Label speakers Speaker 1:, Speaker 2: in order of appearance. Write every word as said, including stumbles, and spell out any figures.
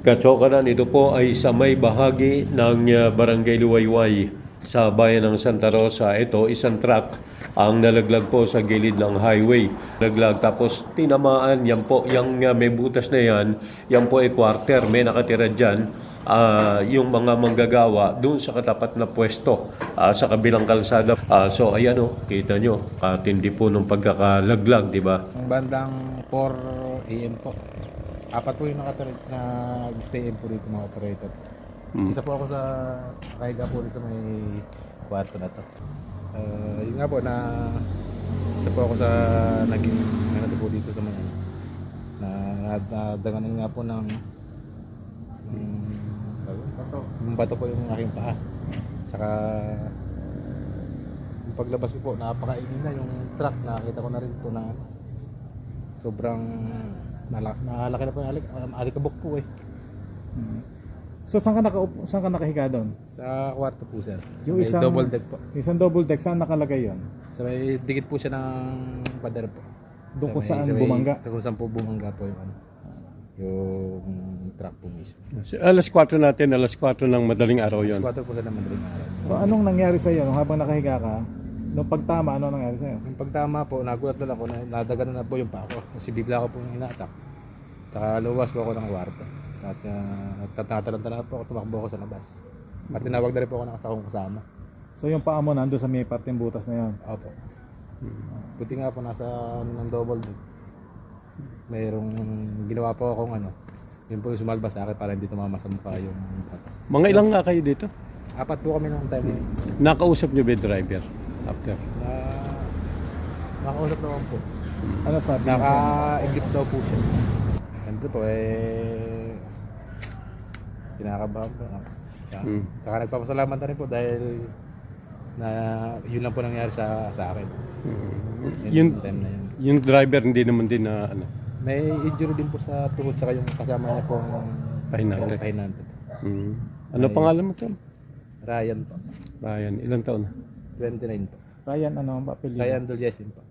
Speaker 1: Katsokanan, ito po ay sa may bahagi ng uh, Barangay Luwayway sa bayan ng Santa Rosa. Ito, isang truck ang nalaglag po sa gilid ng highway. Nalaglag tapos tinamaan, yan po, yung uh, may butas na yan, yan po ay quarter, may nakatira dyan. Uh, yung mga manggagawa doon sa katapat na pwesto uh, sa kabilang kalsada. Uh, so ayan o, kita nyo, katindi po ng pagkakalaglag, di ba?
Speaker 2: Ang bandang four A M po. Apat po yung nakatira na stay in po dito mga operator.
Speaker 1: Hmm.
Speaker 2: Isa po ako sa kahiga po rin sa may kwarto na to. Uh, yun nga po na isa po ako sa naging ano po dito sa mga na nadagangan nga po ng ng bato. Yung bato po yung aking paa. Saka yung paglabas ko po napakaingin na yung truck, nakita ko na rin po na sobrang Nalaki, nakalaki na po yung alik, um, alikabok po eh.
Speaker 3: Hmm. So saan ka, nakaupo, saan ka nakahiga doon?
Speaker 2: Sa kwarto po sir.
Speaker 3: Yung
Speaker 2: May
Speaker 3: isang
Speaker 2: double deck po.
Speaker 3: Isang double deck, saan nakalagay yon?
Speaker 2: Sa may dikit po siya ng pader po.
Speaker 3: Doon
Speaker 2: Sa
Speaker 3: kung
Speaker 2: may-
Speaker 3: saan
Speaker 2: sa may-
Speaker 3: bumangga?
Speaker 2: Sa kung saan po bumangga po yung ano. Yung truck po mismo.
Speaker 1: Alas kwatro natin, alas kwatro ng madaling araw
Speaker 2: Sa
Speaker 1: yon.
Speaker 2: kwarto po sa naman rin araw.
Speaker 3: So anong nangyari sa iyo nung habang nakahiga ka? Nung pagtama, ano nangyari sa iyo?
Speaker 2: Yung pagtama po, nagulat na lang ako na nadaganan na po yung paa ko. Kasi bigla ko po hinatak. Saka luwas po ako ng kwarto. At uh, tatalanta po ako, tumakbo ako sa labas. At tinawag na rin po ako ng kasakong kasama.
Speaker 3: So yung paa mo nando sa may parteng butas na yon.
Speaker 2: Opo. Buti nga po nasa ano ng double deck. Mayroong ginawa po akong ano. Yun po yung sumalba sa akin para hindi tumama sa mukha yung bato.
Speaker 1: Mga ilang nga kayo dito?
Speaker 2: Apat po kami nung time na yun.
Speaker 1: Nakausap nyo ba yung driver after?
Speaker 2: Na nakausap naman po.
Speaker 3: Ano sabi niya sa inyo?
Speaker 2: Naka-equip daw po siya. Siyempre po eh kinakabahan po. Saka,
Speaker 1: Hmm.
Speaker 2: saka nagpapasalamat na rin po dahil na yun lang po nangyari sa sa akin. Yun,
Speaker 1: Yung,
Speaker 2: time na yun.
Speaker 1: yung driver hindi naman din na ano,
Speaker 2: May injury din po sa tuhod saka yung kasama niya pong
Speaker 1: Pahinante.
Speaker 2: pahinante.
Speaker 1: mm. Ano pangalan mo tol?
Speaker 2: Ryan po.
Speaker 1: Ryan, ilang taon na?
Speaker 2: twenty-nine po.
Speaker 3: Ryan, ano ang apelyido?
Speaker 2: Ryan Doljesin po.